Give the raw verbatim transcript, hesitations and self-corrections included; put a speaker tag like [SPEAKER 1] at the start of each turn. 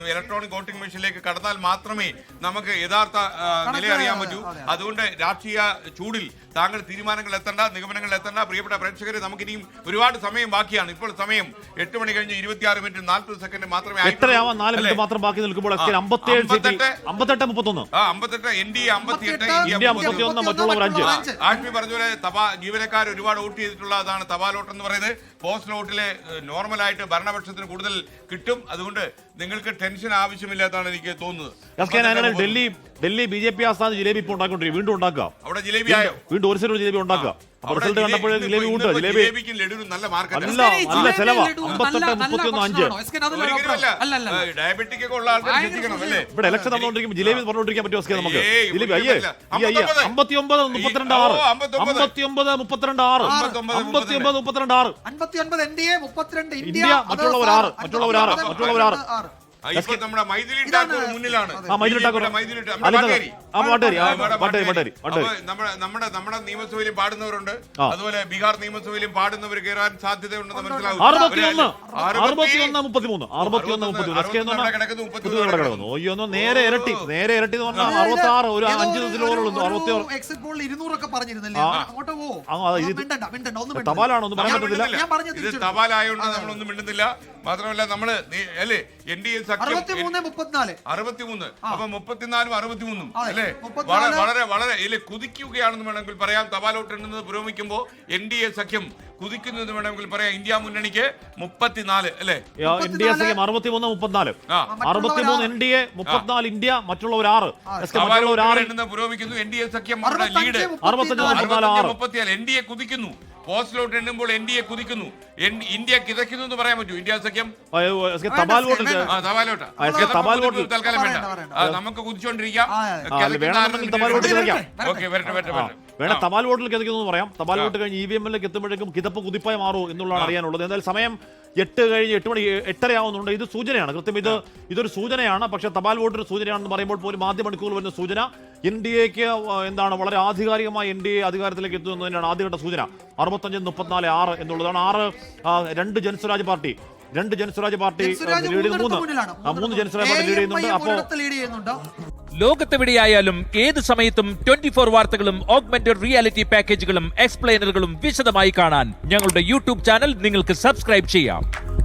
[SPEAKER 1] Electronic voting മെഷീനിലേക്ക് കടന്നാൽ മാത്രമേ നമുക്ക് യഥാർത്ഥ നില അറിയാൻ പറ്റൂ. അതുകൊണ്ട് രാഷ്ട്രീയ ചൂടിൽ താങ്കൾ തീരുമാനങ്ങൾ എത്തേണ്ട, നിഗമനങ്ങൾ എത്തേണ്ട. പ്രിയപ്പെട്ട പ്രേക്ഷകരെ, നമുക്കിനിയും ഒരുപാട് സമയം ബാക്കിയാണ്. ഇപ്പോൾ സമയം എട്ട് മണി കഴിഞ്ഞ് ഇരുപത്തിയാറ് മിനിറ്റ് നാൽപ്പത് സെക്കൻഡ് മാത്രമേ
[SPEAKER 2] മാത്രം ബാക്കി നിൽക്കുമ്പോൾ
[SPEAKER 1] എൻ ഡി എ അമ്പത്തിയെട്ട് ആഷ്മി പറഞ്ഞ പോലെ തപാ ജീവനക്കാർ ഒരുപാട് വോട്ട് ചെയ്തിട്ടുള്ളതാണ് തപാൽ വോട്ട് എന്ന് പറയുന്നത്. പോസ്റ്റൽ വോട്ടിലെ നോർമലായിട്ട് ഭരണപക്ഷത്തിന് കൂടുതൽ കിട്ടും. അതുകൊണ്ട് നിങ്ങൾക്ക് ടെൻഷൻ ആവശ്യമില്ലാത്തതാണ് എനിക്ക് തോന്നുന്നത്.
[SPEAKER 2] Delhi Delhi B J P ആസ്ഥാനം ജിലേബി ഇപ്പോൾ ഉണ്ടാക്കിക്കൊണ്ടിരിക്കും. വീണ്ടും ഉണ്ടാക്കുക.
[SPEAKER 1] അവിടെ ജിലേബി ആയോ?
[SPEAKER 2] വീണ്ടും ഒരു സൈഡ് ജിലേബി ഉണ്ടാക്കുക. റിസൾട്ട് കണ്ടപ്പോൾ ജിലേബി ഉണ്ട്. ജിലേബിക്ക്
[SPEAKER 1] നല്ല മാർക്കറ്റ്
[SPEAKER 2] അല്ല നല്ല ചെലവാ. അമ്പത്തെട്ട് മുപ്പത്തിയൊന്ന് അഞ്ച്
[SPEAKER 1] ഡയബറ്റിക് ഒക്കെ ഉള്ള ആൾക്കാർ ശ്രദ്ധിക്കണം അല്ലേ.
[SPEAKER 2] ഇവിടെ ഇലക്ഷൻ നടന്നുകൊണ്ടിരിക്കുമ്പോൾ ജിലേബി പറഞ്ഞുകൊണ്ടിരിക്കാൻ പറ്റുമോ നമുക്ക്? ജിലേബി അയ്യേ അയ്യേ അമ്പത്തി ഒമ്പത് മുപ്പത്തിരണ്ട് ആറ് അമ്പത്തി ഒമ്പത് മുപ്പത്തിരണ്ട് ആറ് അമ്പത്തി ഒമ്പത് മുപ്പത്തിരണ്ട് ആറ് ഇന്ത്യ മറ്റുള്ളവർ ആറ് മറ്റുള്ളവർ ആറ് മറ്റുള്ളവർ ആറ്
[SPEAKER 1] നമ്മുടെ മൈഥിലി ഠാക്കൂർ മുന്നിലാണ്. നമ്മുടെ നമ്മുടെ നിയമസഭയിലും പാടുന്നവരുണ്ട്, അതുപോലെ ബീഹാർ നിയമസഭയിലും പാടുന്നവർ കയറാൻ സാധ്യതയുണ്ടെന്ന് മനസ്സിലാവും.
[SPEAKER 2] നേരെ ഇരട്ടി നേരെ ഇരട്ടി എന്ന് പറഞ്ഞാൽ അറുപത്തി ആറ് ഒരു അഞ്ച് തപാലാണോ ഒന്നും പറയാൻ പറ്റത്തില്ല.
[SPEAKER 1] ഇത് തപാലായോണ്ട് നമ്മളൊന്നും മിണ്ടുന്നില്ല. മാത്രമല്ല നമ്മള് അല്ലേ എൻ ഡി എ സഖ്യം അറുപത്തിമൂന്ന് അപ്പൊ മുപ്പത്തിനാലും അറുപത്തിമൂന്നും അല്ലെ വളരെ വളരെ ഇല്ലേ കുതിക്കുകയാണെന്ന് വേണമെങ്കിൽ പറയാം. തപാൽ വോട്ട് എണ്ണുന്നത് പുരോഗമിക്കുമ്പോൾ എൻ ഡി എ സഖ്യം കുതിക്കുന്നത് വേണമെങ്കിൽ പറയാം. ഇന്ത്യ മുന്നണിക്ക് മുപ്പത്തിനാല് അല്ലെ
[SPEAKER 2] എൻ ഡി എ സഖ്യം അറുപത്തിമൂന്ന് മുപ്പത്തിനാല് അറുപത്തിമൂന്ന് എൻ ഡി എ മുപ്പത്തിനാല് ഇന്ത്യ മറ്റുള്ളവർ ആറ്
[SPEAKER 1] പുരോഗമിക്കുന്നു. എൻ ഡി എ സഖ്യം ലീഡ് മുപ്പത്തിനാല് എൻ ഡി എ കുതിക്കുന്നു. പോസ്റ്റലോട്ട് എണ്ണുമ്പോൾ എൻ ഡി എ കുതിക്കുന്നു. ഇന്ത്യ കിതയ്ക്കുന്നു എന്ന് പറയാൻ പറ്റൂ. ഇന്ത്യ സഖ്യം
[SPEAKER 2] തപാൽ വോട്ട്
[SPEAKER 1] തപാൽ വോട്ട് തൽക്കാലം വേണ്ട, നമുക്ക് കുതിച്ചോണ്ടിരിക്കാം.
[SPEAKER 2] വേണം തപാൽ വോട്ടിൽ കിതയ്ക്കുന്നു പറയാം. തപാൽ വോട്ട് കഴിഞ്ഞ് ഇ വി എമ്മിലേക്ക് എത്തുമ്പോഴേക്കും കിതപ്പ് കുതിപ്പായി മാറും എന്നുള്ളതാണ് അറിയാനുള്ളത്. എന്തായാലും സമയം എട്ട് കഴിഞ്ഞ് എട്ട് മണി എട്ടരയാവുന്നുണ്ട്. ഇത് സൂചനയാണ്, കൃത്യം ഇത് ഇതൊരു സൂചനയാണ്. പക്ഷേ തപാൽ വോട്ടൊരു സൂചനയാണെന്ന് പറയുമ്പോൾ പോലും ആദ്യ മണിക്കൂറിൽ വരുന്ന സൂചന എൻ ഡി എക്ക് എന്താണ് വളരെ ആധികാരികമായി എൻ ഡി എ അധികാരത്തിലേക്ക് എത്തുന്നതിനാണ് ആദ്യഘട്ട സൂചന. അറുപത്തഞ്ച് മുപ്പത്തിനാല് ആറ് എന്നുള്ളതാണ്. ആറ് രണ്ട് ജനസ്വരാജ് പാർട്ടി രണ്ട് ജനസ്വരാജ് പാർട്ടി ലീഡ് മൂന്ന് മൂന്ന് ജനസ്വരാജ് പാർട്ടി ലീഡ് ചെയ്യുന്നുണ്ട്. അപ്പോൾ
[SPEAKER 3] ലോകത്തെവിടെയായാലും ഏത് സമയത്തും ട്വന്റി ഫോർ വാർത്തകളും ഓഗ്മെന്റഡ് റിയാലിറ്റി പാക്കേജുകളും എക്സ്പ്ലെയിനറുകളും വിശദമായി കാണാൻ ഞങ്ങളുടെ യൂട്യൂബ് ചാനൽ നിങ്ങൾക്ക് സബ്സ്ക്രൈബ് ചെയ്യാം.